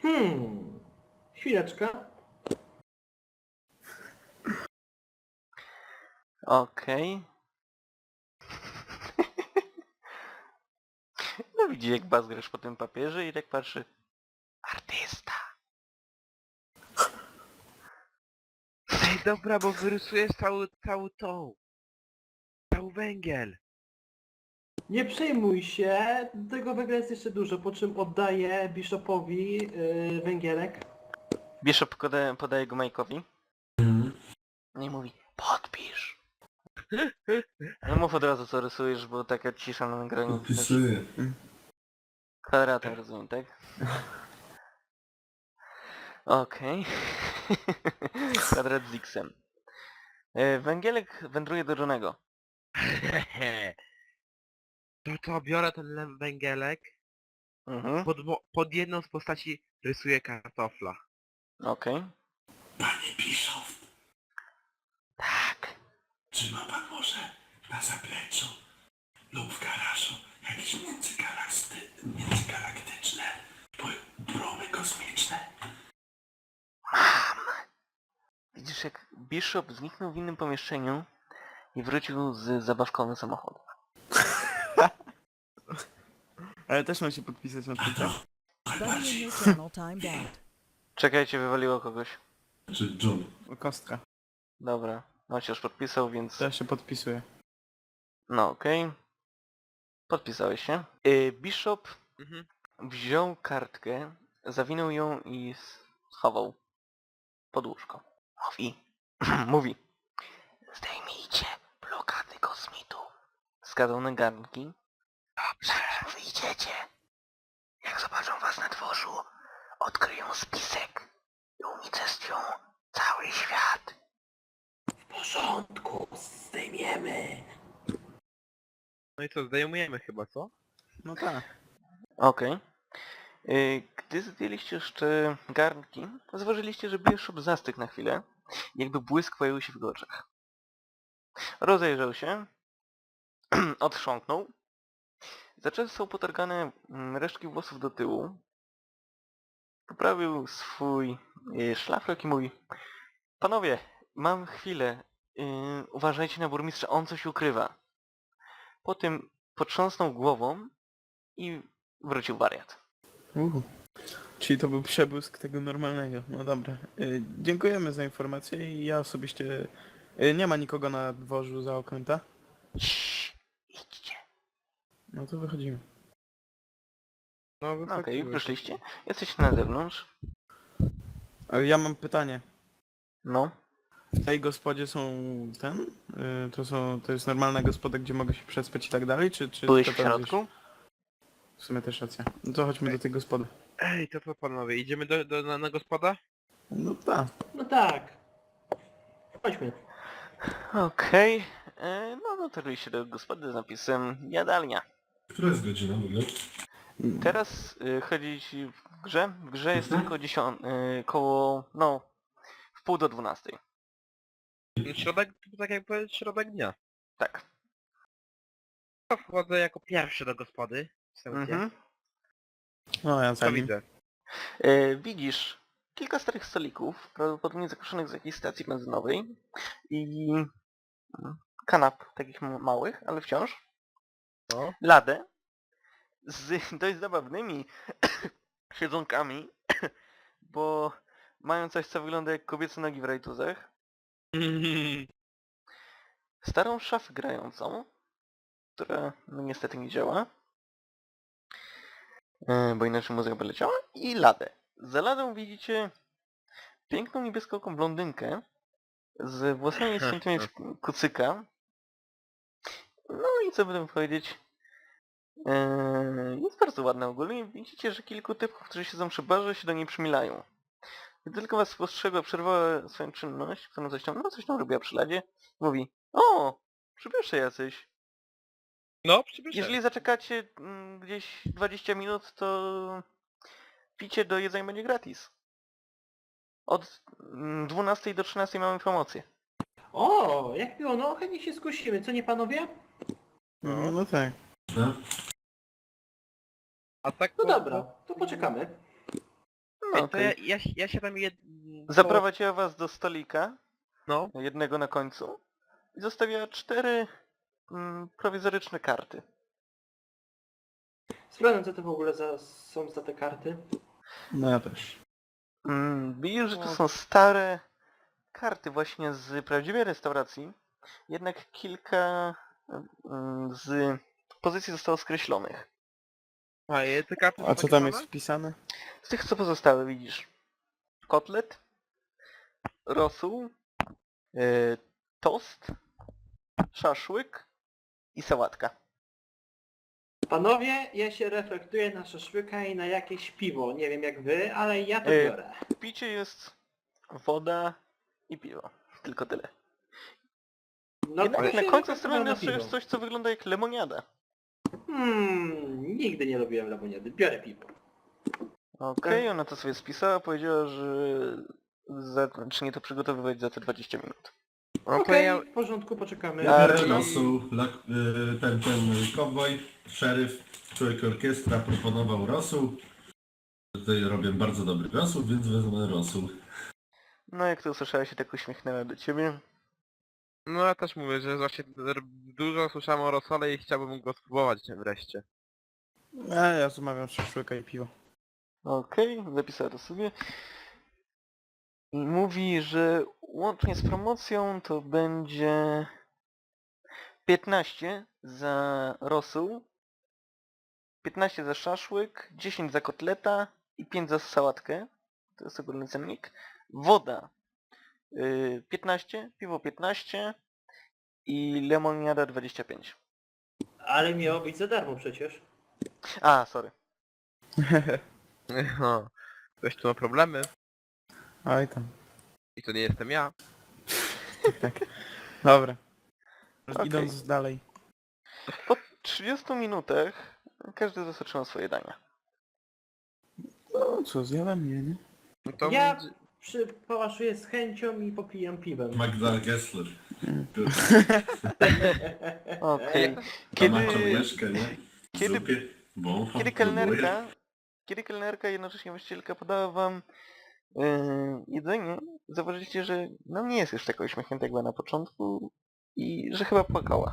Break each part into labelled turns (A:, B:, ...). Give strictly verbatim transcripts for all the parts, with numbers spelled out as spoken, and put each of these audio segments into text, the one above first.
A: Hmm. Chwileczkę.
B: Okej. No widzi jak bazgrasz po tym papierze i tak patrzy. Artysta.
C: Ej, dobra, bo wyrysujesz cały, cały tą. Cały węgiel.
A: Nie przejmuj się, tego węgla jest jeszcze dużo, po czym oddaję Bishopowi yy, węgielek.
B: Bishop podaje, podaje go Majkowi. Nie mówi, podpisz. No mów od razu co rysujesz, bo taka cisza na nagraniu.
D: Podpisuję.
B: Kwadratem rozumiem, tak? Okej. Kwadrat z X-em. E, Węgielek wędruje do Johnego.
C: To co, biorę ten le- węgielek,
B: Mhm.
C: pod, mo- pod jedną z postaci rysuję kartofla.
B: Okej.
D: Panie Bischof,
B: Tak.
D: czy ma pan może na zapleczu lub w garażu jakieś międzygalakty- międzygalaktyczne po- promy kosmiczne?
B: Mam. Widzisz jak Bishop zniknął w innym pomieszczeniu i wrócił z zabawkowym samochodem.
E: Ale też mam się podpisać na
D: A
E: tym.
D: to
F: Buddy in
D: bardziej.
F: your channel timed out.
B: Czekajcie, wywaliło kogoś.
D: Czy John?
E: Kostka.
B: Dobra. No się już podpisał, więc...
E: To ja się podpisuję.
B: No okej. Podpisałeś się. Y, Bishop
C: Mhm.
B: wziął kartkę, zawinął ją i schował pod łóżko. Mówi. Mówi. Zdejmijcie blokady kosmitu. Wskazał na garnki. Zanim wyjdziecie, jak zobaczą was na dworzu, odkryją spisek i unicestwią cały świat.
A: W porządku, zdejmiemy.
C: No i co, zdejmujemy chyba, co?
E: No tak.
B: Okej. Y, Gdy zdjęliście jeszcze garnki, zauważyliście, że Bishop zastygł na chwilę, jakby błysk pojawił się w jego oczach. Rozejrzał się, odchrząknął, zaczesał potargane mm, resztki włosów do tyłu, poprawił swój y, szlafrok i mówi: Panowie, mam chwilę, y, uważajcie na burmistrza, on coś ukrywa. Po tym potrząsnął głową i wrócił wariat.
E: Uhu. Czyli to był przebłysk tego normalnego. No dobra. Y, dziękujemy za informację i ja osobiście... Y, nie ma nikogo na dworzu za oknem, tak?
B: Ciii, idźcie.
E: No to wychodzimy.
C: No
B: No okej,
C: wychodzimy.
B: wyszliście. Jesteście na zewnątrz.
E: Ale ja mam pytanie.
B: No.
E: W tej gospodzie są ten? Y, to są... To jest normalna gospoda, gdzie mogę się przespać i tak dalej? Czy... czy
B: Byłeś
E: to
B: w
E: tam
B: środku?
E: gdzieś- W sumie też racja. No to chodźmy do tej gospody.
C: Ej, to co panowie, idziemy do, do, na, na gospoda?
E: No tak.
A: No tak. Chodźmy.
B: Okej. E, No dotarliście do gospody z napisem jadalnia.
D: Która jest godzina w ogóle?
B: Teraz y, chodzi ci w grze. W grze jest tylko dziesiąt... Y, koło... no... w pół do dwunastej.
C: Środek, tak jak powiedzieć, środek dnia.
B: Tak.
C: To wchodzę jako pierwszy do gospody.
B: Mhm.
E: No ja
C: Co
E: za nim.
C: widzę?
B: E, widzisz kilka starych stolików, prawdopodobnie zakruszonych z jakiejś stacji benzynowej i mm, kanap takich m- małych, ale wciąż.
C: No.
B: Ladę z dość zabawnymi siedzonkami, bo mają coś, co wygląda jak kobiece nogi w rajtuzach. Starą szafę grającą, która no, niestety nie działa, e, bo inaczej muzyka by leciała, i ladę. Za ladą widzicie piękną niebieskooką blondynkę z włosami ściętymi w kucyka. No i co by tam powiedzieć? Eee, jest bardzo ładna ogólnie. Widzicie, że kilku typów, którzy siedzą przy barze, się do niej przymilają. Gdy tylko was spostrzegła, przerwała swoją czynność, którą coś tam, no coś tam robiła przy ladzie, mówi: O! Przybysze jacyś.
C: No, przybyszę.
B: Jeżeli zaczekacie mm, gdzieś dwadzieścia minut, to picie do jedzenia będzie gratis. Od mm, dwunastej do trzynastej mamy promocję.
A: O, jak miło, no chętnie się skusimy, co nie panowie?
E: No, no tak.
D: No.
C: A tak
A: No
C: po-
A: dobra, to poczekamy.
B: No
C: Ej, to
B: okej.
C: ja, ja, ja się tam jed... to-
B: Zaprowadziła was do stolika,
C: No.
B: jednego na końcu, i zostawiła cztery mm, prowizoryczne karty.
A: Sprawdzam, co to w ogóle za, są za te karty.
E: No ja też.
B: Mm, widzisz, że to
C: No.
B: są stare karty właśnie z prawdziwej restauracji, jednak kilka mm, z pozycji zostało skreślonych.
C: A, je- te karty są
E: A co
C: takie
E: tam
C: same?
E: jest wpisane?
B: Z tych co pozostałe widzisz kotlet, rosół, yy, tost, szaszłyk i sałatka.
A: Panowie, ja się reflektuję na szaszłyka i na jakieś piwo. Nie wiem jak wy, ale ja to
B: Ej.
A: biorę.
B: W picie jest woda i piwo. Tylko tyle.
A: No
B: Jednak
A: to
B: na
A: się
B: końcu
A: reflektuję
B: strony
A: na
B: dostajesz
A: piwo.
B: coś, co wygląda jak lemoniada.
A: Hmm, nigdy nie lubiłem lemoniady. Biorę piwo.
B: Okej,
A: Tak.
B: ona to sobie spisała, powiedziała, że zacznie to przygotowywać za te dwadzieścia minut.
C: No to
A: Okej,
C: ja...
A: w porządku, poczekamy.
D: Ja
B: A,
D: biorę
B: czyli-
D: rosół, lak, y, ten, ten kowboj, szeryf, człowiek orkiestra proponował rosół. Tutaj robię bardzo dobry rosół, więc wezmę rosół.
B: No jak to usłyszałeś, się tak uśmiechnęła do ciebie.
C: No ja też mówię, że właśnie r- dużo słyszałem o rosole i chciałbym go spróbować wreszcie.
E: A ja zamawiam szaszłyka i piwo.
B: Okej, zapisała to sobie. I mówi, że łącznie z promocją to będzie piętnaście za rosół, piętnaście za szaszłyk, dziesięć za kotleta i pięć za sałatkę. To jest ogólny cennik. Woda yy, piętnaście, piwo piętnaście i lemoniada dwadzieścia pięć.
A: Ale miało być za darmo przecież.
B: A, sorry.
C: No. Ktoś tu ma problemy
E: Oj tam.
C: i to nie jestem ja.
E: Dobra.
B: Okej.
E: Idąc dalej.
B: Po trzydziestu minutach każdy z was otrzymał swoje dania.
E: No co, zjadam? Nie, nie?
C: No to
A: Ja
C: będzie-
A: przy, pałaszuję z chęcią i popijam piwem.
D: Magda Gessler.
B: Okej.
D: Kiedy... Ma
B: Kiedy,
D: łyżkę, nie? W
B: kiedy-
D: zupie. Bo,
B: kiedy
D: próbuję.
B: kelnerka, kiedy kelnerka jednocześnie właścicielka podała wam yy, jedzenie, zauważyliście, że no nie jest już taka uśmiechnięta jak była na początku i że chyba płakała.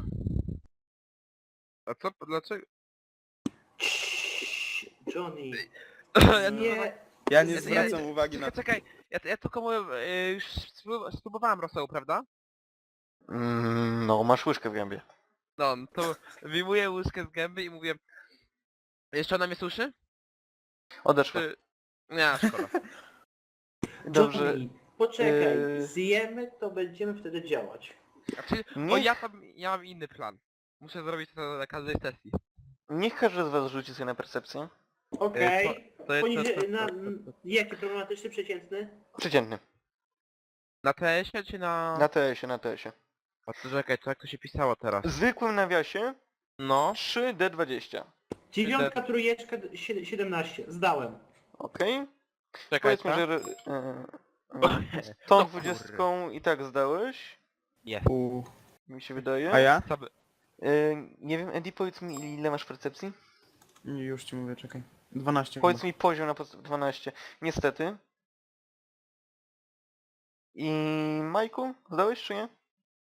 C: A co? Dlaczego?
A: Ciii, Johnny,
C: Ja
A: nie...
E: Ja nie
C: Ja-
E: zwracam
C: ja-
E: uwagi na
C: Czekaj,
E: to.
C: czekaj, ja, ja tylko mówię, e, już sprób- spróbowałem rosołu, prawda?
B: Mm, no, masz łyżkę w gębie.
C: No, no to wyjmuję łyżkę z gęby i mówię... Jeszcze ona mnie słyszy?
B: Odeszła.
C: Czy... Nie, szkoda.
B: Dobrze.
A: Johnny, poczekaj,
B: Yy.
A: zjemy, to będziemy wtedy działać.
C: Znaczy, o
B: Niech,
C: ja tam, ja mam inny plan. Muszę zrobić to na każdej sesji.
B: niech każdy z was rzuci sobie na percepcję.
A: Okej.
C: to- to jest-
A: Poniżej,
C: to- to-
A: na...
C: to- to- to-
A: Jaki problematyczny, przeciętny?
B: Przeciętny.
C: Na T S-ie czy na...
B: Na T S-ie, na T S-ie.
C: A to czekaj, to jak to się pisało teraz?
B: W zwykłym nawiasie
C: No.
B: trzy D dwadzieścia.
A: Dziewiątka, trójeczka, sie- siedemnaście. Zdałem.
B: Okej?
C: Czekaj,
B: Powiedzmy,
C: co?
B: że... Yy, tą
C: No
B: dwudziestką i tak zdałeś,
C: Jest.
E: U.
B: mi się wydaje.
E: A ja?
C: Co by...
B: Yy, nie wiem, Eddie, powiedz mi ile masz percepcji?
E: Już ci mówię, czekaj. dwanaście
B: Powiedz
E: chyba.
B: mi poziom na podst- dwanaście. Niestety. I Majku, zdałeś czy nie?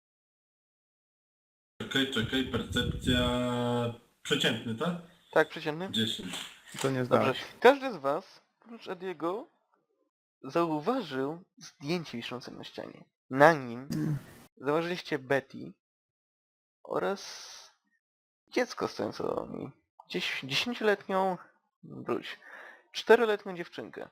D: Czekaj, czekaj, percepcja... Przeciętny, tak?
B: Tak, przeciętny.
D: dziesięć.
E: To nie
B: Dobrze.
E: zdałeś.
B: Każdy z was, oprócz Ediego, zauważył zdjęcie wiszące na ścianie. Na nim
E: Mm.
B: zauważyliście Betty oraz dziecko stojące do niej. Gdzieś dziesięcioletnią, wróć, czteroletnią dziewczynkę.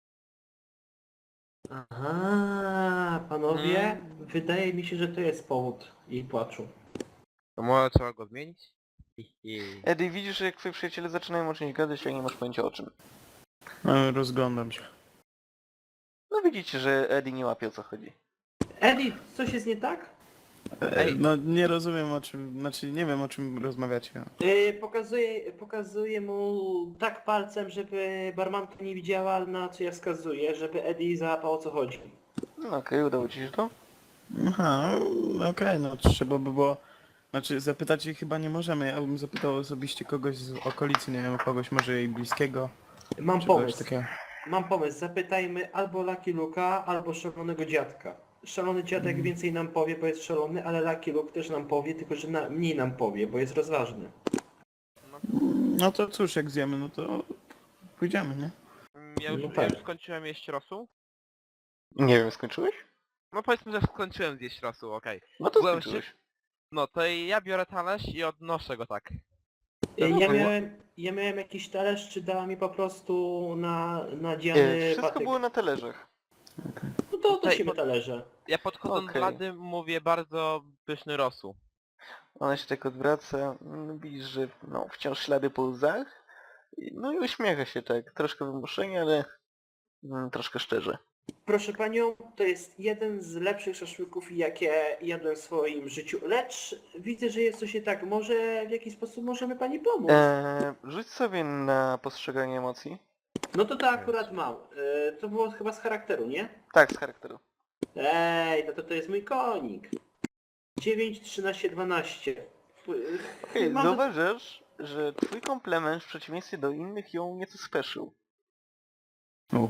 A: Aha, panowie,
C: Mm.
A: wydaje mi się, że to jest powód jej płaczu.
C: To może trzeba go zmienić? Hi, hi.
B: Eddie, widzisz, że jak twoi przyjaciele zaczynają o czymś gadać, a nie masz pojęcia o czym.
E: No, rozglądam się.
B: No widzicie, że Eddie nie łapie o co chodzi.
A: Eddie, coś jest nie tak?
E: Ej, no nie rozumiem o czym, znaczy nie wiem o czym rozmawiacie.
A: Yy, pokazuję, pokazuję mu tak palcem, żeby barmanka nie widziała, na co ja wskazuję, żeby Eddie załapał o co chodzi.
B: No okej, udało ci się to?
E: Aha, no okej, no trzeba by było... Znaczy zapytać jej chyba nie możemy, ja bym zapytał osobiście kogoś z okolicy, nie wiem, kogoś może jej bliskiego,
A: Mam
E: czy kogoś
A: pomysł.
E: takiego.
A: mam pomysł, zapytajmy albo Lucky Luka, albo szalonego dziadka. Szalony dziadek więcej nam powie, bo jest szalony, ale Lucky Luke też nam powie, tylko że na, mniej nam powie, bo jest rozważny.
E: No to cóż, jak zjemy, no to pójdziemy, nie?
C: Mm, Ja już,
A: No
C: ja
A: tak.
C: już skończyłem jeść rosół.
B: Nie wiem, skończyłeś?
C: No powiedzmy, że skończyłem zjeść rosół, okej.
B: No to
C: Byłem
B: skończyłeś.
C: No to ja biorę talerz i odnoszę go tak.
A: Ja
B: było?
A: miałem, ja miałem jakiś talerz, czy dała mi po prostu na
B: E,
A: nadziany
B: wszystko
A: patyk.
B: było na talerzach.
A: No to
C: Tutaj
A: nosimy
C: pod-
A: talerze.
C: Ja podchodząc
B: Okej.
C: do lady mówię bardzo pyszny rosół.
B: Ona się tak odwraca, mm, widzisz, że no, wciąż ślady po łzach. I- No i uśmiecha się tak, troszkę wymuszenie, ale mm, troszkę szczerze.
A: Proszę panią, to jest jeden z lepszych szaszłyków, jakie jadłem w swoim życiu, lecz widzę, że jest coś nie tak. Może w jakiś sposób możemy pani pomóc?
B: Eee, rzuć sobie na postrzeganie emocji.
A: No to to akurat mam. E, to było chyba z charakteru, nie?
B: Tak, z charakteru.
A: Ej, no to to jest mój konik. dziewięć, trzynaście, dwanaście. P-
B: Okej,
A: mam-
B: zauważysz, że twój komplement w przeciwieństwie do innych ją nieco speszył.
E: U.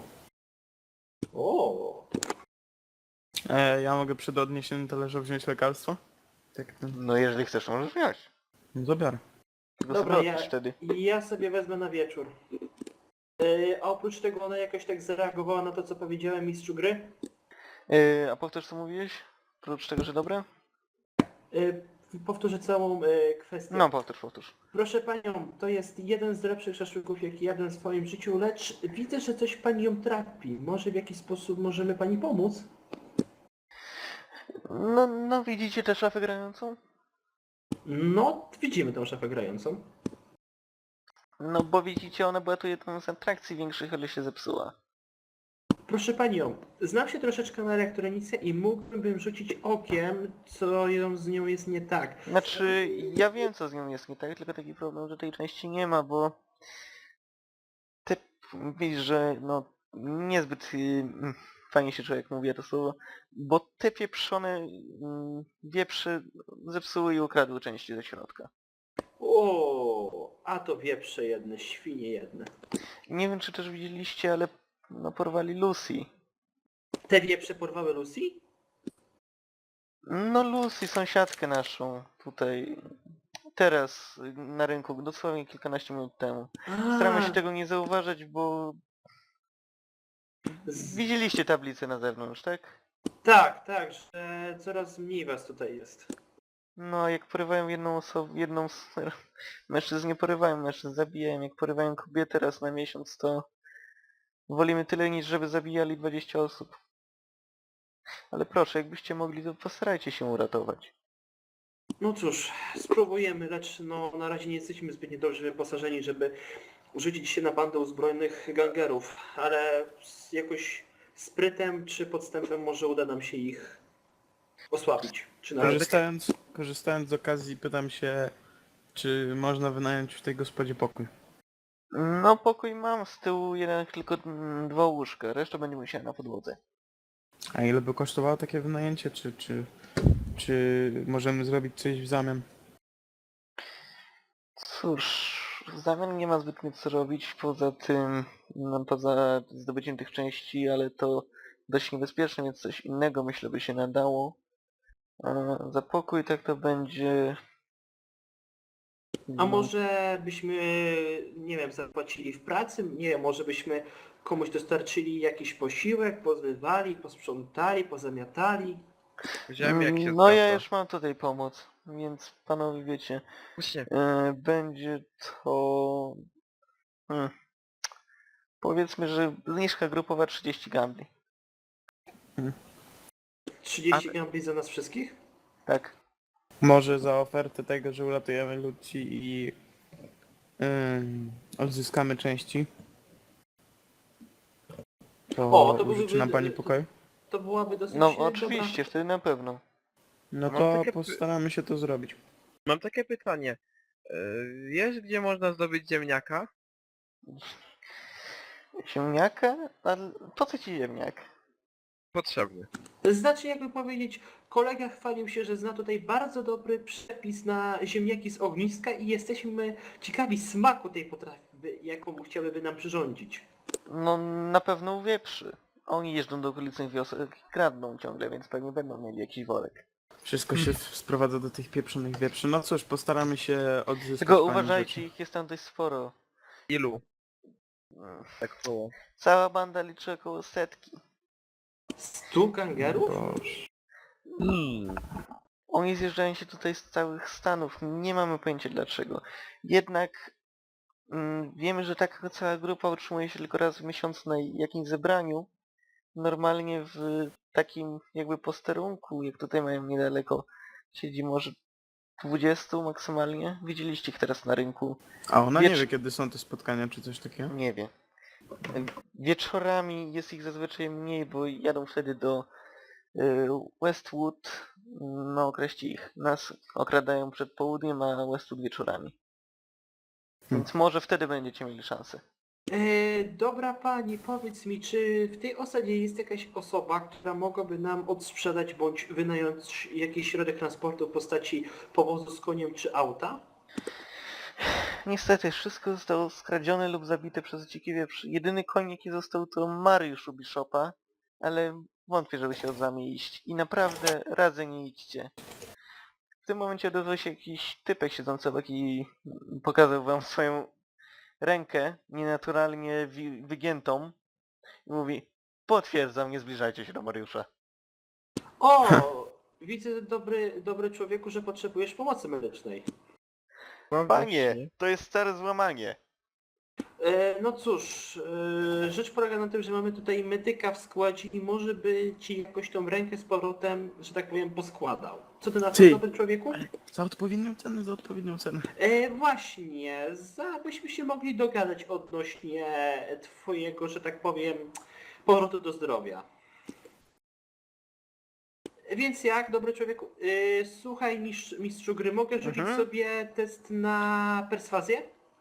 A: O,
E: E, ja mogę przed odniesieniem talerza wziąć lekarstwo? Tak, ten...
B: No jeżeli chcesz, to możesz wziąć.
E: No zabiorę.
B: Tylko
A: Dobra,
B: sobie
A: ja,
B: odpisz wtedy.
A: ja sobie wezmę na wieczór. E, a oprócz tego ona jakoś tak zareagowała na to, co powiedziałem mistrzu gry.
B: Eee, a powtórz co mówiłeś? Oprócz tego, że dobre?
A: E, powtórzę całą e, kwestię.
B: No powtórz, powtórz.
A: Proszę panią, to jest jeden z lepszych szaszłyków, jaki jadłem w swoim życiu, lecz widzę, że coś pani ją trapi. Może w jakiś sposób możemy pani pomóc?
B: No, no widzicie tę szafę grającą?
A: No, widzimy tą szafę grającą.
B: No bo widzicie, ona była tu jedną z atrakcji większych, ale się zepsuła.
A: Proszę panią, znam się troszeczkę na elektronice i mógłbym rzucić okiem, co ją z nią jest nie tak.
B: Znaczy, ja wiem co z nią jest nie tak, tylko taki problem, że tej części nie ma, bo... Ty widzisz, że no niezbyt y, fajnie się człowiek mówi to słowo, bo te pieprzone y, wieprze zepsuły i ukradły części ze środka.
A: O, a to wieprze jedne, świnie jedne.
B: Nie wiem czy też widzieliście, ale no porwali Lucy.
A: Te wieprze porwały Lucy?
B: No Lucy, sąsiadkę naszą tutaj, teraz y, na rynku, dosłownie kilkanaście minut temu. Staramy się
A: A,
B: tego nie zauważać, bo
A: z...
B: widzieliście tablicę na zewnątrz, tak?
A: Tak, tak, że coraz mniej was tutaj jest.
B: No, jak porywają jedną osobę, jedną z... Mężczyzn nie porywają, mężczyzn zabijają. Jak porywają kobietę raz na miesiąc, to wolimy tyle niż żeby zabijali dwadzieścia osób. Ale proszę, jakbyście mogli, to postarajcie się uratować.
A: No cóż, spróbujemy, lecz no na razie nie jesteśmy zbytnio dobrze wyposażeni, żeby rzucić się na bandę uzbrojonych gangerów, ale z jakoś sprytem czy podstępem może uda nam się ich osłabić. Czy nawet...
E: Korzystając, korzystając z okazji pytam się, czy można wynająć w tej gospodzie pokój.
B: No, pokój mam z tyłu, jeden tylko mm, dwa łóżka, reszta będzie musiała na podłodze.
E: A ile by kosztowało takie wynajęcie, czy, czy, czy możemy zrobić coś w zamian?
B: Cóż, w zamian nie ma zbytnio co robić poza tym, no, poza zdobyciem tych części, ale to dość niebezpieczne, więc coś innego myślę by się nadało. A za pokój tak to będzie...
A: A może byśmy, nie wiem, zapłacili w pracy? Nie wiem, może byśmy komuś dostarczyli jakiś posiłek, pozmywali, posprzątali, pozamiatali?
C: Wziąłem jak się
B: No ja
C: zwraca.
B: już mam tutaj pomoc, więc panowie wiecie,
C: Właśnie,
B: e, będzie to... Hmm. Powiedzmy, że zniżka grupowa trzydzieści gambli.
A: trzydzieści gambli za nas wszystkich?
B: Tak.
E: Może za ofertę tego, że uratujemy ludzi i yy, odzyskamy części. To,
A: O, to
E: użyczy
A: byłby-
E: nam pani pokoju?
A: To byłaby dosyć
B: No
A: e, dobra...
B: oczywiście, wtedy na pewno.
E: No
C: Mam
E: to
C: takie py-
E: postaramy się to zrobić.
C: mam takie pytanie. Yy, Wiesz gdzie można zdobyć ziemniaka?
B: Ziemniaka? Ale po co ci ziemniak?
C: Potrzebny.
A: Znaczy, jakby powiedzieć, kolega chwalił się, że zna tutaj bardzo dobry przepis na ziemniaki z ogniska i jesteśmy ciekawi smaku tej potrawy, jaką chciałyby nam przyrządzić.
B: No na pewno u wieprzy. Oni jeżdżą do okolicznych wiosek i kradną ciągle, więc pewnie będą mieli jakiś worek.
E: Wszystko się sprowadza do tych pieprzonych wieprzy. No cóż, postaramy się odzyskać
B: Tylko
E: pani
B: uważajcie,
E: rzeczy.
B: ich jest tam dość sporo.
C: Ilu?
B: Mm,
C: Tak było.
B: Cała banda liczy około setki.
A: Stu gangerów?
E: Boże.
C: Hmm.
B: Oni zjeżdżają się tutaj z całych Stanów, nie mamy pojęcia dlaczego. Jednak mm, wiemy, że taka cała grupa utrzymuje się tylko raz w miesiącu na jakimś zebraniu. Normalnie w takim jakby posterunku, jak tutaj mają niedaleko, siedzi może dwudziestu maksymalnie. Widzieliście ich teraz na rynku.
E: A ona nie
B: Wiecz-
E: wie, kiedy są te spotkania, czy coś takiego?
B: Nie wie. Wieczorami jest ich zazwyczaj mniej, bo jadą wtedy do y, Westwood. No określi ich. Nas okradają przed południem, a Westwood wieczorami. Więc może wtedy będziecie mieli szansę.
A: E, dobra pani, powiedz mi, czy w tej osadzie jest jakaś osoba, która mogłaby nam odsprzedać bądź wynająć jakiś środek transportu w postaci powozu z koniem czy auta?
B: Niestety, wszystko zostało skradzione lub zabite przez dziki wieprz. Jedyny koń jaki został to Mariusz u Bishopa, ale wątpię, żeby się od wami iść. I naprawdę radzę nie idźcie. W tym momencie odezwał się jakiś typek siedzący obok i pokazał wam swoją rękę nienaturalnie wi- wygiętą i mówi: potwierdzam, nie zbliżajcie się do Mariusza.
A: O, widzę dobry, dobry człowieku, że potrzebujesz pomocy medycznej.
C: No
B: Panie,
C: właśnie.
B: to jest stare złamanie.
A: E, no cóż, e, rzecz polega na tym, że mamy tutaj medyka w składzie i może by ci jakoś tą rękę z powrotem, że tak powiem, poskładał. Co ty na to,
E: Ty.
A: dobry człowieku?
E: Za odpowiednią cenę, za odpowiednią cenę.
A: E, właśnie, za, byśmy się mogli dogadać odnośnie twojego, że tak powiem, powrotu do zdrowia. Więc jak, dobry człowieku? E, słuchaj, mistrz, mistrzu gry, mogę rzucić
B: Mhm.
A: sobie test na perswazję?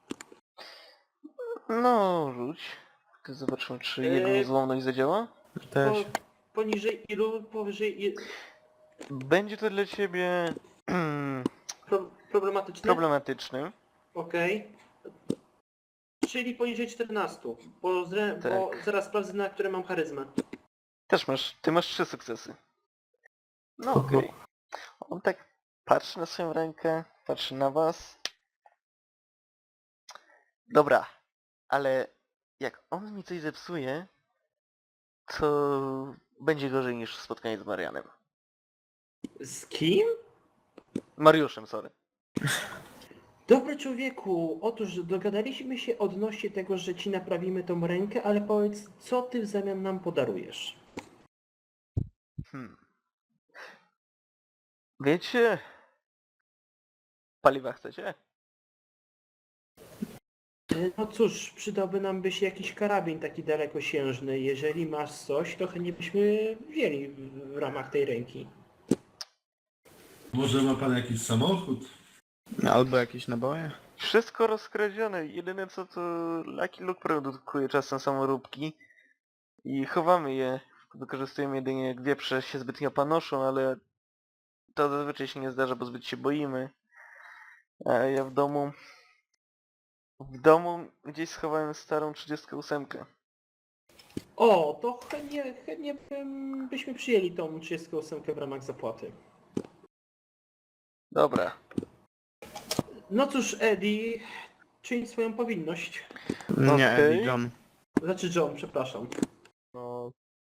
B: No, rzuć. To zobaczymy, czy
A: Eee,
B: jego niezłomność zadziała.
E: Też.
A: Po, poniżej ilu? Powyżej i-
B: Będzie to dla ciebie
A: pro, problematyczne?
B: problematyczny.
A: Okej. Czyli poniżej czternastu, bo, zre, bo
B: Tak.
A: zaraz sprawdzę, na które mam charyzmę.
B: Też masz, ty masz trzy sukcesy. No
E: Oho.
B: okej. On tak patrzy na swoją rękę, patrzy na was. Dobra, ale jak on mi coś zepsuje, to będzie gorzej niż spotkanie z Marianem.
A: Z kim?
B: Mariuszem, sorry.
A: Dobry człowieku, otóż dogadaliśmy się odnośnie tego, że ci naprawimy tą rękę, ale powiedz, co ty w zamian nam podarujesz?
B: Hmm. Wiecie? Paliwa chcecie?
A: E, No cóż, przydałby nam by się jakiś karabin taki dalekosiężny. Jeżeli masz coś, to chętnie byśmy wzięli w, w ramach tej ręki.
D: Może ma pan jakiś samochód?
E: Albo jakieś naboje.
B: Wszystko rozkradzione. Jedyne co to Lucky Luke produkuje czasem samoróbki i chowamy je. Wykorzystujemy jedynie jak wieprze się zbytnio panoszą, ale to zazwyczaj się nie zdarza, bo zbyt się boimy. A ja w domu... W domu gdzieś schowałem starą trzydziestkę osiem.
A: O, to chętnie, chętnie bym, byśmy przyjęli tą trzydziestą ósemkę w ramach zapłaty.
B: Dobra.
A: No cóż, Eddie, czyń swoją powinność.
E: Nie,
B: Okej.
E: Eddie, John.
A: Znaczy John, przepraszam.
C: No.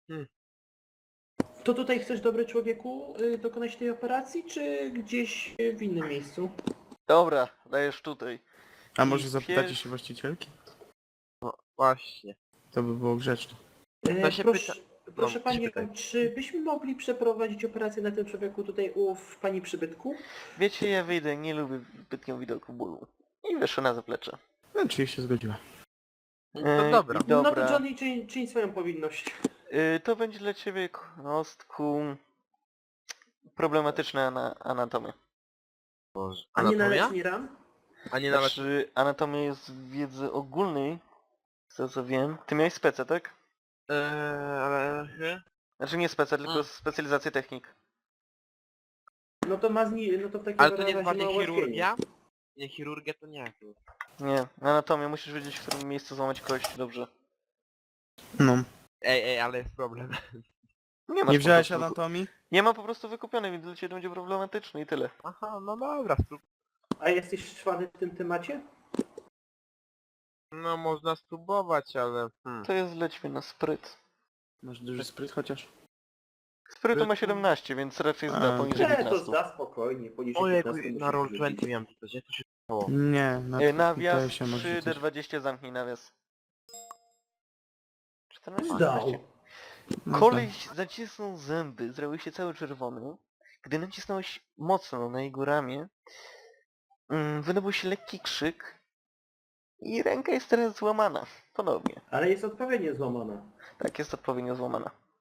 A: To tutaj chcesz, dobry człowieku, y, dokonać tej operacji, czy gdzieś y, w innym miejscu?
B: Dobra, dajesz tutaj.
E: A
B: I
E: może zapytacie
B: pies-
E: się właścicielki?
C: Właśnie.
E: To by było grzeczne.
A: E,
C: To się
A: proszę,
C: pyta-
A: proszę
C: no,
A: Panią,
C: się pytaj.
A: czy byśmy mogli przeprowadzić operację na tym człowieku tutaj u w Pani przybytku?
B: Wiecie, ja wyjdę, nie lubię zbytnio widoku bólu. I wyszło na zaplecze.
E: No, czyli się zgodziła.
C: No to
B: E,
C: dobra.
B: i dobra.
A: No to Johnny, czyń, czyń swoją powinność.
B: Y, to będzie dla ciebie, kostku, problematyczna ana anatomia.
C: Boże.
A: A nie na
C: Anatomia?
A: leczenie ran?
C: A nie nawet...
B: Znaczy, anatomia jest w wiedzy ogólnej, z tego co wiem. Ty miałeś specę, tak?
C: Eee, ale... nie?
B: Znaczy nie specę, tylko
C: Mm.
B: specjalizację technik.
A: No to ma zni- no to w takim
C: Ale to nie
A: razie
C: jest bardziej
A: ma ułatwienie.
C: chirurgia? Nie, chirurgia to nie.
B: Nie, anatomię, musisz wiedzieć w którym miejscu złamać kość, dobrze.
E: No.
C: Ej, ej, ale jest problem.
B: Nie, masz
E: Nie
B: po
E: wziąłeś
B: prostu wyku-
E: anatomii?
B: Nie ma po prostu wykupionej, więc dla ciebie będzie problematyczny i tyle.
C: Aha, no dobra, sprób...
A: A jesteś szwany w tym temacie?
C: No można spróbować, ale... Hmm.
B: To jest lećmy na spryt.
E: Masz duży spryt chociaż?
B: Sprytu ma
C: Sprytu?
B: siedemnaście, więc raczej zda
E: A,
B: poniżej
A: Nie, to
B: piętnaście.
A: zda spokojnie, poniżej
C: Ojej,
A: piętnastu
C: na
A: musi
C: roll
A: wrzucić.
C: dwadzieścia miałem to, gdzie to się stało?
E: Nie, na
B: E,
E: to
B: Nawias
E: się może
B: trzy D
E: rzucać.
B: dwadzieścia, zamknij nawias. czternaście.
A: Zdał.
E: No
B: Koleś zacisnął zęby, zrobił się cały czerwony. Gdy nacisnąłeś mocno na jego ramię, mm, wydobył się lekki krzyk i ręka jest teraz złamana. Ponownie.
A: Ale jest odpowiednio złamana.
B: Tak, jest odpowiednio złamana.